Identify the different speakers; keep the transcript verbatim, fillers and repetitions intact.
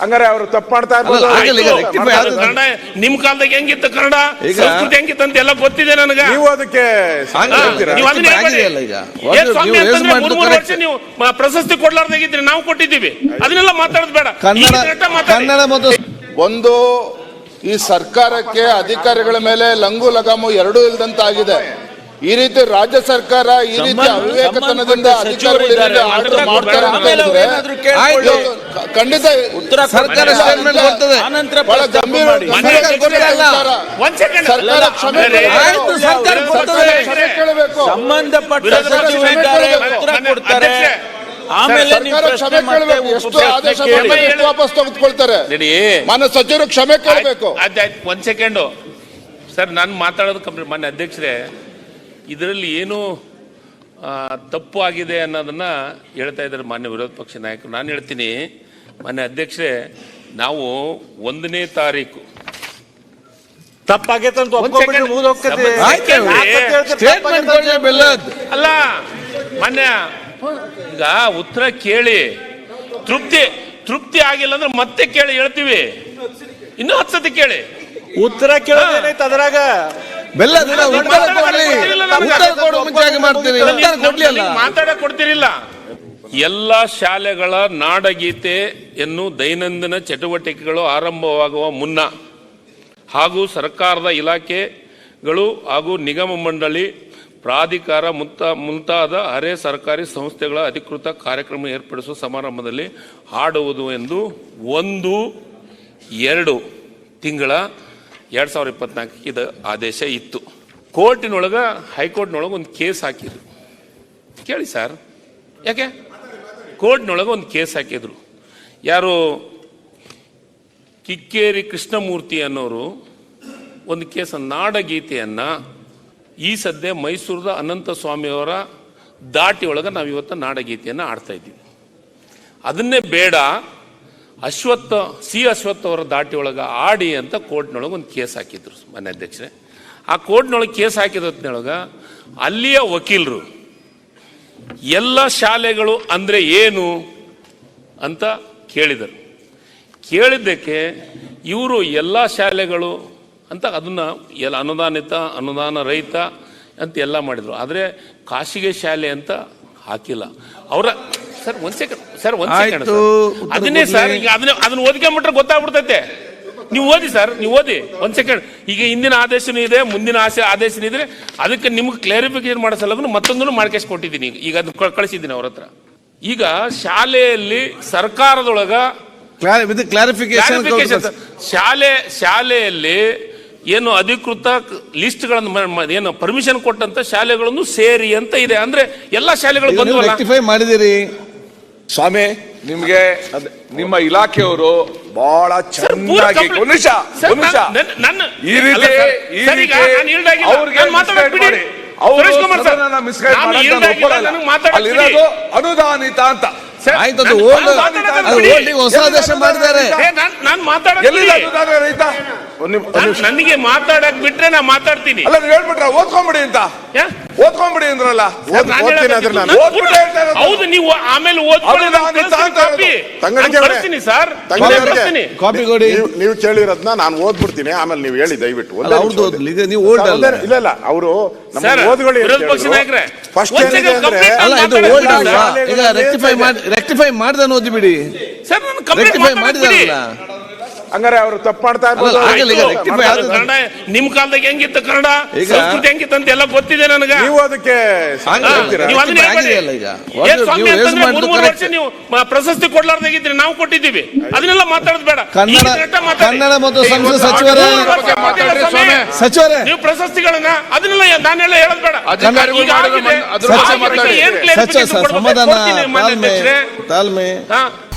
Speaker 1: ಹಂಗಾರೆ ಅವರು ತಪ್ಪು ಮಾಡ್ತಾ ಇರ್ಬೋದು.
Speaker 2: ಕನ್ನಡ ನಿಮ್ ಕಾಲದಾಗ ಹೆಂಗಿತ್ತು, ಕನ್ನಡ ಸಂಸ್ಕೃತಿ ಹೆಂಗಿತ್ತು ಅಂತ ಎಲ್ಲ ಗೊತ್ತಿದೆ ನನಗೆ.
Speaker 1: ನೀವು ಅದಕ್ಕೆ
Speaker 2: ಮೂರ್ ಮೂರು ವರ್ಷ ನೀವು ಪ್ರಶಸ್ತಿ ಕೊಡ್ಲಾರ್ದಾಗಿದ್ರಿ, ನಾವು ಕೊಟ್ಟಿದ್ದೀವಿ. ಅದನ್ನೆಲ್ಲ ಮಾತಾಡೋದು ಬೇಡ.
Speaker 3: ಒಂದು ಈ ಸರ್ಕಾರಕ್ಕೆ ಅಧಿಕಾರಿಗಳ ಮೇಲೆ ಲಂಗು ಲಗಾಮು ಎರಡೂ ಇಲ್ದಂತಾಗಿದೆ. ಈ ರೀತಿ ರಾಜ್ಯ ಸರ್ಕಾರ ಈ ರೀತಿ ಅವಿವೇಕತನದಿಂದ ಅಧಿಕಾರಿಗಳು ಮಾಡ್ತಾರೆ ಅಂತ ಹೇಳಿದ್ರೆ ಖಂಡಿತ ಉತ್ತರ ಸರ್ಕಾರ ಬಹಳ ಗಂಭೀರ ಸರ್ಕಾರ ಕ್ಷಮೆ ಕೇಳಬೇಕು.
Speaker 4: ಸಂಬಂಧಪಟ್ಟ ಸಚಿವರಿದ್ದಾರೆ, ಉತ್ತರ ಕೊಡ್ತಾರೆ. ಆಮೇಲೆ
Speaker 3: ಕ್ಷಮೆ ಕೇಳಬೇಕು. ಎಷ್ಟು ಆದೇಶ ವಾಪಸ್ ತೆಗೆದುಕೊಳ್ತಾರೆ. ಮಾನ್ಯ ಸಚಿವರು ಕ್ಷಮೆ ಕೇಳಬೇಕು.
Speaker 2: ಒಂದ್ ಸೆಕೆಂಡು ಸರ್, ನಾನು ಮಾತಾಡೋದು ಕಂಪ್ಲೀಟ್. ಮಾನ್ಯ ಅಧ್ಯಕ್ಷರೇ, ಇದರಲ್ಲಿ ಏನು ತಪ್ಪು ಆಗಿದೆ ಅನ್ನೋದನ್ನ ಹೇಳ್ತಾ ಇದ್ದಾರೆ ಮಾನ್ಯ ವಿರೋಧ ಪಕ್ಷ ನಾಯಕರು. ನಾನು ಹೇಳ್ತೀನಿ ಮಾನ್ಯ ಅಧ್ಯಕ್ಷರೇ, ನಾವು ಒಂದನೇ ತಾರೀಕು
Speaker 4: ತಪ್ಪಾಗೈತೆ ಅಂತ
Speaker 2: ಅಲ್ಲ ಮಾನ್ಯ, ಈಗ ಉತ್ತರ ಕೇಳಿ ತೃಪ್ತಿ ತೃಪ್ತಿ ಆಗಿಲ್ಲ ಅಂದ್ರೆ ಮತ್ತೆ ಕೇಳಿ ಹೇಳ್ತೀವಿ. ಇನ್ನೂ ಹತ್ತು ಸತಿ ಕೇಳಿ
Speaker 4: ಉತ್ತರ ಕೇಳೋದೇನೈತೆ ಅದ್ರಾಗ
Speaker 2: ಮಾತಾಡಕ್ ಕೊಡ್ತಿರಿಲ್ಲ. ಎಲ್ಲ ಶಾಲೆಗಳ ನಾಡಗೀತೆಯನ್ನು ದೈನಂದಿನ ಚಟುವಟಿಕೆಗಳು ಆರಂಭವಾಗುವ ಮುನ್ನ ಹಾಗೂ ಸರ್ಕಾರದ ಇಲಾಖೆಗಳು ಹಾಗೂ ನಿಗಮ ಮಂಡಳಿ, ಪ್ರಾಧಿಕಾರ ಮುಂತಾ ಮುಂತಾದ ಅರೆ ಸರ್ಕಾರಿ ಸಂಸ್ಥೆಗಳ ಅಧಿಕೃತ ಕಾರ್ಯಕ್ರಮ ಏರ್ಪಡಿಸುವ ಸಮಾರಂಭದಲ್ಲಿ ಹಾಡುವುದು ಎಂದು ಒಂದು ಎರಡು ತಿಂಗಳ ಎರಡು ಸಾವಿರದ ಇಪ್ಪತ್ನಾಲ್ಕಕ್ಕೆ ಇದು ಆದೇಶ ಇತ್ತು. ಕೋರ್ಟಿನೊಳಗೆ ಹೈಕೋರ್ಟ್ನೊಳಗೆ ಒಂದು ಕೇಸ್ ಹಾಕಿದ್ರು. ಕೇಳಿ ಸರ್, ಯಾಕೆ ಕೋರ್ಟ್ನೊಳಗೆ ಒಂದು ಕೇಸ್ ಹಾಕಿದ್ರು. ಯಾರು ಕಿಕ್ಕೇರಿ ಕೃಷ್ಣಮೂರ್ತಿ ಅನ್ನೋರು ಒಂದು ಕೇಸ್, ನಾಡಗೀತೆಯನ್ನು ಈ ಸದ್ಯ ಮೈಸೂರದ ಅನಂತ ಸ್ವಾಮಿಯವರ ದಾಟಿ ಒಳಗೆ ನಾವು ಇವತ್ತು ನಾಡಗೀತೆಯನ್ನು ಆಡ್ತಾ ಇದ್ದೀವಿ. ಅದನ್ನೇ ಬೇಡ, ಅಶ್ವತ್ಥ ಸಿ ಅಶ್ವತ್ಥ ಅವರ ದಾಟಿ ಒಳಗೆ ಆಡಿ ಅಂತ ಕೋರ್ಟ್ನೊಳಗೆ ಒಂದು ಕೇಸ್ ಹಾಕಿದ್ರು ಮಾನ್ಯ ಅಧ್ಯಕ್ಷರೇ. ಆ ಕೋರ್ಟ್ನೊಳಗೆ ಕೇಸ್ ಹಾಕಿದೊತ್ತಿನೊಳಗೆ ಅಲ್ಲಿಯ ವಕೀಲರು ಎಲ್ಲ ಶಾಲೆಗಳು ಅಂದರೆ ಏನು ಅಂತ ಕೇಳಿದರು. ಕೇಳಿದ್ದಕ್ಕೆ ಇವರು ಎಲ್ಲ ಶಾಲೆಗಳು ಅಂತ ಅದನ್ನು ಎಲ್ಲ ಅನುದಾನಿತ ಅನುದಾನ ರಹಿತ ಅಂತ ಎಲ್ಲ ಮಾಡಿದರು. ಆದರೆ ಖಾಸಗಿ ಶಾಲೆ ಅಂತ ಹಾಕಿಲ್ಲ. ಅವರ ಸರ್ ಒಂದ್ ಸೆಕೆಂಡ್ ಸರ್ ಒಂದ್ ಸೆಕೆಂಡ್ ಅದನ್ನೇ ಸರ್, ಈಗ ಅದನ್ನ ಅದನ್ನ ಓದ್ಕೊಂಡ್ಬಿಟ್ರೆ ಗೊತ್ತಾಗ್ಬಿಡ್ತೈತೆ. ನೀವು ಓದಿ ಸರ್, ನೀವು ಓದಿ ಒಂದ್ ಸೆಕೆಂಡ್. ಈಗ ಹಿಂದಿನ ಆದೇಶನೂ ಇದೆ, ಮುಂದಿನ ಆಸೆ ಆದೇಶನೂ ಇದ್ರೆ ಅದಕ್ಕೆ ನಿಮ್ಗೆ ಕ್ಲಾರಿಫಿಕೇಶನ್ ಮಾಡೋ ಸಲುವಾಗಿ ಮತ್ತೊಂದನ್ನು ಮಾಡ್ಕೇಶ್ ಕೊಟ್ಟಿದ್ದೀನಿ. ಈಗ ಅದನ್ನ ಕಳಿಸಿದ್ದೀನಿ ಅವ್ರ ಹತ್ರ. ಈಗ ಶಾಲೆಯಲ್ಲಿ ಸರ್ಕಾರದೊಳಗ ಕ್ಲಾರಿಫಿಕೇಶನ್ ಶಾಲೆ ಶಾಲೆಯಲ್ಲಿ ಏನು ಅಧಿಕೃತ ಲಿಸ್ಟ್ಗಳನ್ನು ಏನು ಪರ್ಮಿಷನ್ ಕೊಟ್ಟಂತ ಶಾಲೆಗಳನ್ನು ಸೇರಿ ಅಂತ ಇದೆ. ಅಂದ್ರೆ ಎಲ್ಲಾ ಶಾಲೆಗಳು ಬಂದು
Speaker 1: ಮಾಡಿದಿರಿ
Speaker 5: ಸ್ವಾಮಿ. ನಿಮ್ಗೆ ನಿಮ್ಮ ಇಲಾಖೆಯವರು ಬಹಳ ಚೆನ್ನಾಗಿ ನಿಮಿಷ ಈ ರೀತಿ ಅಲ್ಲಿರೋದು ಅನುದಾನಿತ ಅಂತ
Speaker 1: ಹೊಸ ಆದೇಶ ಮಾಡಿದ್ದಾರೆ.
Speaker 2: ನನಗೆ ಮಾತಾಡಕ್ ಬಿಟ್ರೆ ನಾ ಮಾತಾಡ್ತೀನಿ.
Speaker 5: ಅಲ್ಲ ನೀವು ಹೇಳ್ಬಿಟ್ರ ಓದ್ಕೊಂಬಿಡಿ ಅಂತ ಓದ್ಕೊಂಬಿಡಿ ಅಂದ್ರಲ್ಲ.
Speaker 2: ಹೌದು, ನೀವು ಆಮೇಲೆ ಓದ್ತೀನಿ ಸರ್.
Speaker 1: ಕಾಪಿ ಕೊಡಿ.
Speaker 3: ನೀವು ಕೇಳಿರೋದನ್ನ ನಾನು ಓದ್ಬಿಡ್ತೀನಿ, ಆಮೇಲೆ ನೀವು ಹೇಳಿ ದಯವಿಟ್ಟು.
Speaker 1: ನೀವು
Speaker 3: ಇಲ್ಲ ಇಲ್ಲ ಅವರು
Speaker 2: ವಿರೋಧ ಪಕ್ಷ ನಾಯಕರೇ
Speaker 1: ರೆಕ್ಟಿಫೈ ಮಾಡ್ದೆ ಓದಿ ಬಿಡಿ
Speaker 2: ಸರ್. ನಾನು ರೆಕ್ಟಿಫೈ ಮಾಡಿದಾರಲ್ಲ.
Speaker 1: ಹಂಗಾರೆ ಅವರು ತಪ್ಪು ಮಾಡ್ತಾ ಇರ್ಬೋದು.
Speaker 2: ಕನ್ನಡ ನಿಮ್ ಕಾಲದಾಗ ಹೆಂಗಿತ್ತು, ಕನ್ನಡ ಸಂಸ್ಕೃತಿ ಹೆಂಗಿತ್ತು ಅಂತ ಎಲ್ಲ ಗೊತ್ತಿದೆ ನನಗೆ.
Speaker 1: ನೀವು ಅದಕ್ಕೆ
Speaker 2: ಮೂರ್ ಮೂರು ವರ್ಷ ನೀವು ಪ್ರಶಸ್ತಿ ಕೊಡ್ಲಾರ್ದಾಗಿದ್ರಿ, ನಾವು ಕೊಟ್ಟಿದ್ದೀವಿ. ಅದನ್ನೆಲ್ಲ ಮಾತಾಡೋದು ಬೇಡ.
Speaker 1: ಕನ್ನಡ ಮತ್ತು ಸಂಸ್ಕೃತಿ ಸಚಿವರೇ ಸಚಿವರೇ
Speaker 2: ನೀವು ಪ್ರಶಸ್ತಿಗಳನ್ನ ಅದನ್ನೆಲ್ಲ ನಾನೆಲ್ಲ ಹೇಳೋದು ಬೇಡ.
Speaker 1: ಸಮಾಧಾನ ತಾಳ್ಮೆ